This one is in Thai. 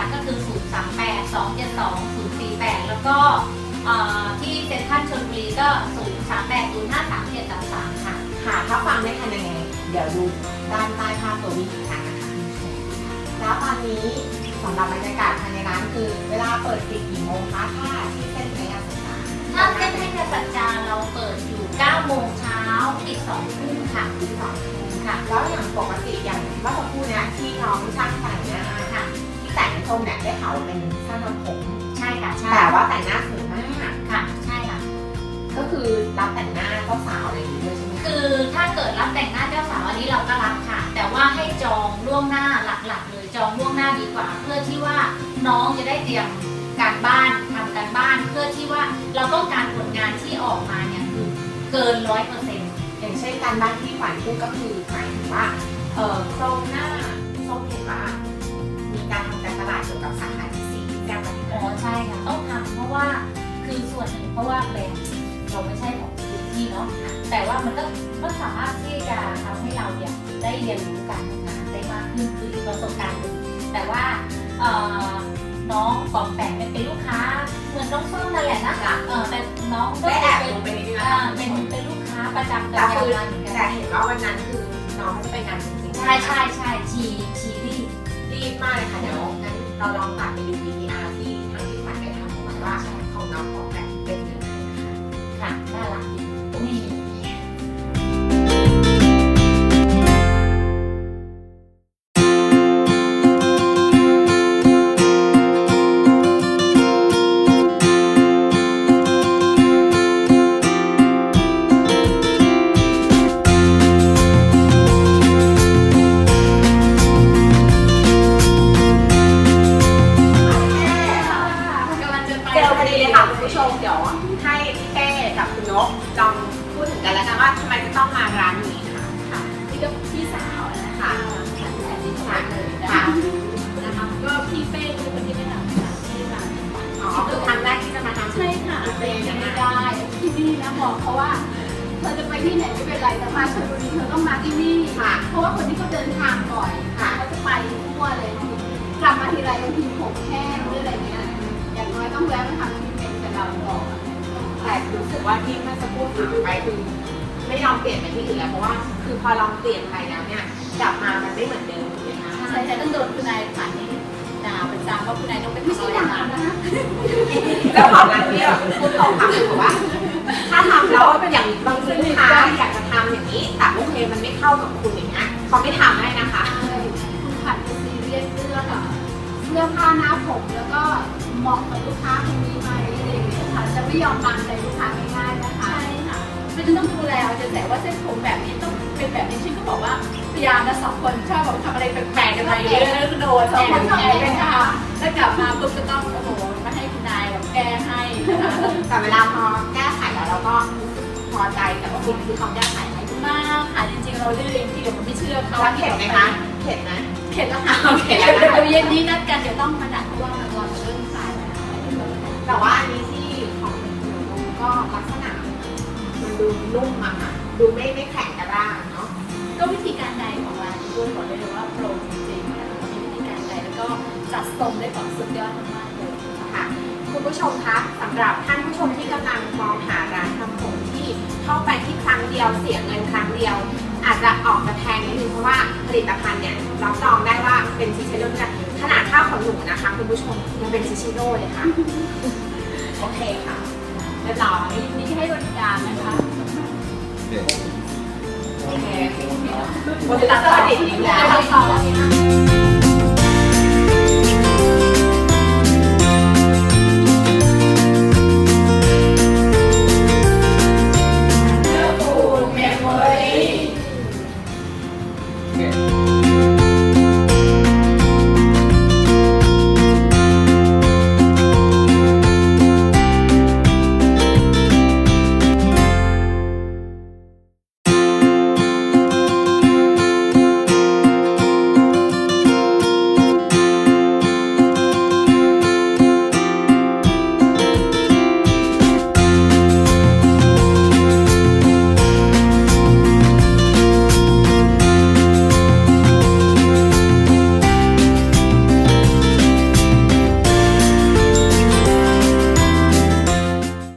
ก็คือ038-272-048แล้วก็ที่เซ็นทรัลชลบุรีก็038-053-733ค่ะค่ะถ้าฟังไม่ทันยังไงเดี๋ยวดูด้านใต้ภาพตัววิธีการนะคะแล้วตอนนี้สำหรับบรรยากาศภายในร้านคือเวลาเปิดปิดกี่โมงคะถ้าที่เส้นพยาสัจจาถ้าเส้นพยาสัจจาเราเปิดอยู่9 โมงเช้าปิด2 ทุ่มค่ะปิด2 ทุ่มค่ะแล้วอย่างปกติอย่างเมื่อสักครู่นี้ที่น้องช่างแต่งหน้าค่ะที่แต่งทรงเนี่ยได้เขาเป็นช่างทำผมใช่ค่ะใช่แต่ว่าแต่งหน้าสวยมากค่ะใช่ค่ะก็คือรับแต่งหน้าเจ้าสาวอะไรอย่างนี้ด้วยใช่ไหมคือถ้าเกิดรับแต่งหน้าเจ้าสาวอันนี้เราก็รับค่ะแต่ว่าให้จองล่วงหน้าหลักๆเลยจองล่วงหน้าดีกว่าเพื่อที่ว่าน้องจะได้เตรียมการบ้านทำการบ้านเพื่อที่ว่าเราต้องการผลงานที่ออกมาเนี่ยคือเกิน 100% อย่างเช่นการบ้านที่ขวัญพูดก็คือหมายถึงว่าโครงหน้าส้มเห็นว่ามีการทำการตลาดเกี่ยวกับสาขาที่4ที่แจ้งมาที่ใช่ค่ะต้องทำเพราะว่าคือส่วนหนึ่งเพราะว่าแบรนด์เราไม่ใช่ของพื้นที่เนาะแต่ว่ามันก็สามารถที่จะทำให้เราเนี่ยได้เรียนรู้การทำงานได้มากขึ้นคือประสบการณ์หนึ่งแต่ว่าน้องปอมแปมเป็นลูกค้าเหมือนน้องส้มนั่นแหละนะคะแต่น้องก็ได้แอบลงไปนิดนึงนะคะเป็นลูกค้าประจำแต่เห็นว่าวันนั้นคือน้องจะไปงานจริงๆใช่ชีรีบมากเลยค่ะเดี๋ยวงั้นเราลองตัดไปดู VTR ที่ทางที่ขวัญได้ทำออกมาว่าของน้องปอมแปมเป็นยังไงค่ะน่ารักนี่เดี๋ยวให้พี่เต้กับคุณนกลองพูดถึงกันแล้วกันว่าทำไมจะต้องมาร้านนี้ค่ะค่ะนี่ก็พี่สาวนะคะค่ะแอนดี้ค่ะเลยนะคะก็พี่เป้คือคนที่ไม่ทำร้านที่ร้านคือครั้งแรกที่จะมาทำใช่ค่ะเป็นยังไม่ได้ที่นี่นะบอกเขาว่าเธอจะไปที่ไหนไม่เป็นไรแต่มาชลบุรีเธอต้องมาที่นี่เพราะว่าคนที่เขาเดินทางบ่อยเขาจะไปทั่วเลยกลับมาทีไรบางทีผมแห้งหรืออะไรเงี้ยอย่างน้อยต้องแวะมาทำที่เป็นกับเราก่อนแต่รู้สึกว่าที่เมื่อสักครู่ถามไปคือไม่ยอมเปลี่ยนไปที่อื่นแล้วเพราะว่าคือพอลองเปลี่ยนไปแล้วเนี่ยกลับมามันไม่เหมือนเดิมเลยนะใช่แต่ต้องโดนคุณนายผ่านนี้ด่าประจำว่าคุณนายต้องเป็นไม่ใช่ด่านะแล้วของร้านนี้พูดตรงค่ะคือว่าถ้าทำแล้วอย่างบางลูกค้าอยากจะทำอย่างนี้แต่โอเคมันไม่เข้ากับคุณอย่างเงี้ยเขาไม่ทำให้นะคะคุณผัดเป็นซีเรียสเรื่องผ้าหน้าผมแล้วก็เหมาะกับลูกค้าคนนี้ไหมอะไรอย่างเงี้ยค่ะจะไม่ยอมตามใจลูกค้าง่ายๆนะคะใช่ค่ะไม่ต้องดูแลเอาใจใส่ว่าเส้นผมแบบนี้ต้องเป็นแบบนี้ฉันก็บอกว่าพยายามนะ2 คนชอบแบบทำอะไรแปลกๆกันไปเยอะแล้วโดน2 คนชอบแก้ค่ะแล้วกลับมาปุ๊บก็ต้องโอ้โหมาให้คุณนายแบบแก้ให้นะคะแต่เวลาพอแก้ไขแล้วเราก็พอใจแต่ว่าคุณคือเขาแก้ไขให้มากค่ะจริงๆเราเรื่องที่เดี๋ยวมันไม่เชื่อเขาเข็ดไหมคะเข็ดนะเข็ดแล้วค่ะเข็ดแล้วเดี๋ยวเย็นนี้นัดกันเดี๋ยวต้องมาดัดเพราะว่ามันรอเรื่องสายแล้วแต่ว่าอันนี้ที่ของคุณก็ลักษณะมันดูนุ่มอะค่ะดูไม่แข็งกระด้างเนาะก็วิธีการใดของร้านด้วยบอกได้เลยว่าโปรจริงๆนะคะมีวิธีการใดแล้วก็จัดทรงได้แบบสุดยอดมากๆเลยค่ะคุณผู้ชมคะสำหรับท่านผู้ชมที่กำลังมองหาร้านทำผมที่เข้าไปที่ครั้งเดียวเสียเงินครั้งเดียวอาจจะออกจะแพงนิดนึงเพราะว่าผลิตภัณฑ์เนี่ยรับรองได้ว่าเป็นชิเชโร่ด้วยขนาดค่าขนหนูนะคะคุณผู้ชมยังเป็นชิเชโร่เลยค่ะโอเคค่ะเรียบร้อยนี่ให้บริการนะคะโอเคบริการสวัสดีอีกแล้ว